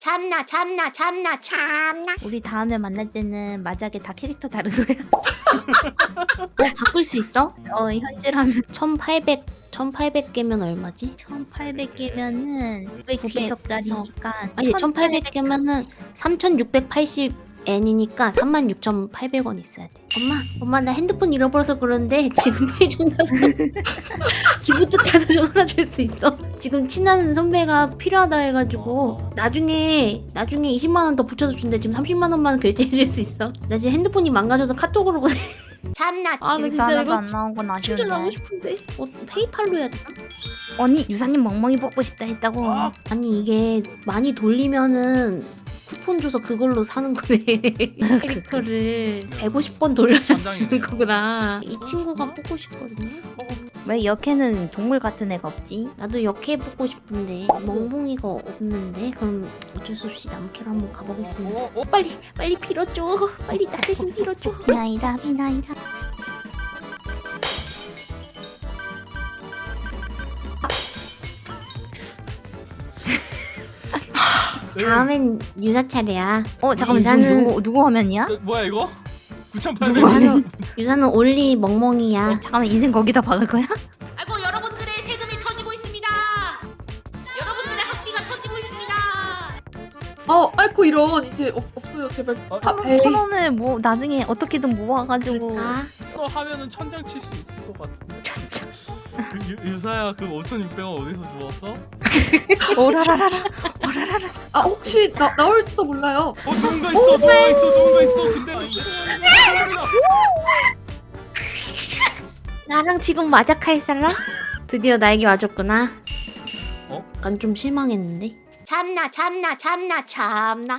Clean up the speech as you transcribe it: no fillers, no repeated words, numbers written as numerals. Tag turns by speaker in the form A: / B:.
A: 참나.
B: 우리 다음에 만날 때는 만약에 다 캐릭터 다른 거야?
C: 바꿀 수 있어?
B: 현질하면
C: 1800개면 얼마지?
B: 1800개면은 900비석짜리니까
C: 아니 1800개면은 3680N이니까 36,800원 있어야 돼. 엄마 나 핸드폰 잃어버려서 그러는데 지금 페이준다서 기부트 카드 좀 하나 줄 수 있어? 지금 친한 선배가 필요하다 해가지고 나중에 20만 원 더 붙여서 준대. 지금 30만 원만 결제해 줄 수 있어? 나 지금 핸드폰이 망가져서 카톡으로 보내.
A: 참나.
C: 아, 나
B: 캐릭터
C: 진짜
B: 하나도
C: 이거
B: 안 나온 건
C: 충전하고
B: 아쉬운데.
C: 싶은데 페이팔로 해야 되나?
B: 아니 유사님 멍멍이 뽑고 싶다 했다고.
C: 아니 이게 많이 돌리면은 쿠폰 줘서 그걸로 사는 거네. 캐릭터를 150번 돌려야지 주는 거구나. 이 친구가 뽑고 싶거든요.
B: 왜 역해는 동물 같은 애가 없지?
C: 나도 역해 뽑고 싶은데 멍멍이가 없는데 그럼 어쩔 수 없이 남캐로 한번 가보겠습니다. 빨리 빌어줘. 빨리 나 대신 빌어줘.
B: 비나이다.
C: 다음엔 유사 차례야.
B: 잠깐만
C: 유사는-
B: 누구 화면이야?
D: 뭐야 이거? 9,800원.
C: 유사는 올리 멍멍이야.
B: 잠깐만 인생 거기다 박을 거야?
E: 아이고 여러분들의 세금이 터지고 있습니다. 여러분들의 학비가 터지고 있습니다.
F: 아이고 이런 이제 없어요 제발.
B: 천 원을 뭐 나중에 어떻게든 모아가지고.
C: 아,
D: 이거 하면은 천장 칠 수 있을 것 같은데.
B: 천장.
D: 유사야 그 5,600원 어디서 주웠어?
B: 오라라라라.
F: 혹시 나올지도 몰라요.
D: 누군가 있어. 근데
C: 나랑 지금 마자카 할 사람? 드디어 나에게 와줬구나.
D: 어?
C: 약간 좀 실망했는데.
A: 참나.